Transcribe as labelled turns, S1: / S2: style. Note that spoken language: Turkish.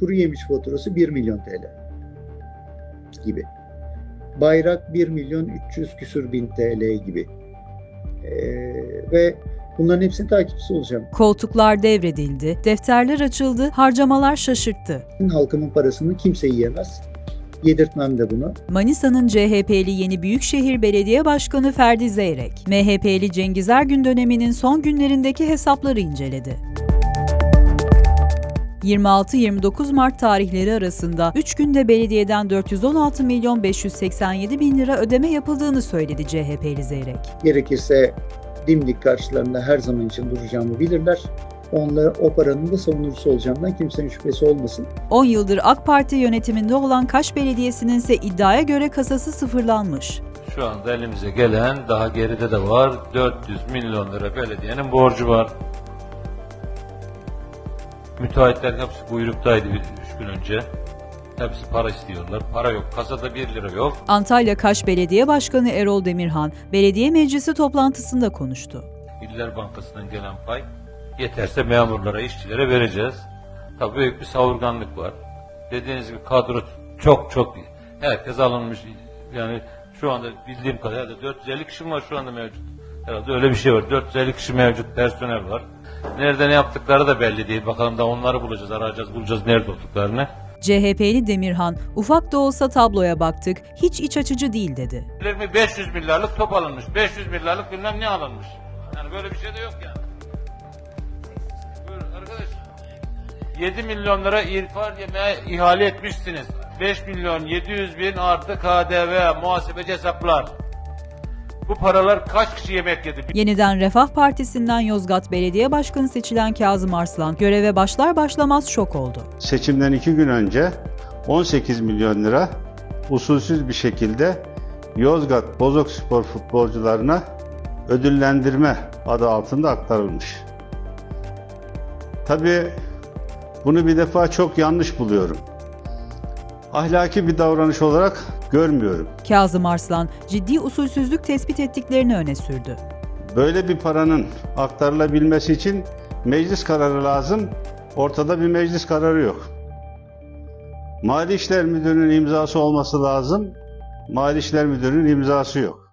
S1: kuru yemiş faturası 1 milyon TL gibi. Bayrak 1 milyon 300 küsür bin TL gibi. Ve bunların hepsinin takipçisi olacağım.
S2: Koltuklar devredildi, defterler açıldı, harcamalar şaşırttı.
S1: Halkımın parasını kimse yiyemez. Yedirtmem de bunu.
S2: Manisa'nın CHP'li Yeni Büyükşehir Belediye Başkanı Ferdi Zeyrek, MHP'li Cengiz Ergün döneminin son günlerindeki hesapları inceledi. 26-29 Mart tarihleri arasında 3 günde belediyeden 416 milyon 587 bin lira ödeme yapıldığını söyledi CHP'li Zeyrek.
S1: Gerekirse dimdik karşılarında her zaman için duracağımı bilirler. Onlar o paranın da savunucusu olacağımdan kimsenin şüphesi olmasın.
S2: 10 yıldır AK Parti yönetiminde olan Kaş Belediyesi'nin ise iddiaya göre kasası sıfırlanmış.
S3: Şu anda elimize gelen, daha geride de var, 400 milyon lira belediyenin borcu var. Müteahhitler hepsi buyruktaydı 3 gün önce. Hepsi para istiyorlar. Para yok. Kasada 1 lira yok.
S2: Antalya Kaş Belediye Başkanı Erol Demirhan, belediye meclisi toplantısında konuştu.
S3: İller Bankası'ndan gelen pay yeterse memurlara, işçilere vereceğiz. Tabii büyük bir savurganlık var. Dediğiniz gibi kadro çok herkes alınmış. Yani şu anda bildiğim kadarıyla 450 kişi var şu anda mevcut. Herhalde öyle bir şey var. 450 kişi mevcut personel var. Nerede ne yaptıkları da belli değil. Bakalım da onları bulacağız, bulacağız nerede olduklarını.
S2: CHP'li Demirhan, ufak da olsa tabloya baktık, hiç iç açıcı değil dedi.
S3: 500 milyarlık top alınmış, 500 milyarlık bilmem ne alınmış. Yani böyle bir şey de yok yani. Buyurun arkadaş. 7 milyon lira irfan yemeğe ihale etmişsiniz. 5 milyon 700 bin artı KDV, muhasebeci hesaplar. Bu paralar kaç kişi yemek yedi?
S2: Yeniden Refah Partisi'nden Yozgat Belediye Başkanı seçilen Kazım Arslan, göreve başlar başlamaz şok oldu.
S4: Seçimden 2 gün önce 18 milyon lira usulsüz bir şekilde Yozgat Bozokspor futbolcularına ödüllendirme adı altında aktarılmış. Tabii bunu bir defa çok yanlış buluyorum. Ahlaki bir davranış olarak görmüyorum.
S2: Kazım Arslan, ciddi usulsüzlük tespit ettiklerini öne sürdü.
S4: Böyle bir paranın aktarılabilmesi için meclis kararı lazım. Ortada bir meclis kararı yok. Mali İşler Müdürü'nün imzası olması lazım. Mali İşler Müdürü'nün imzası yok.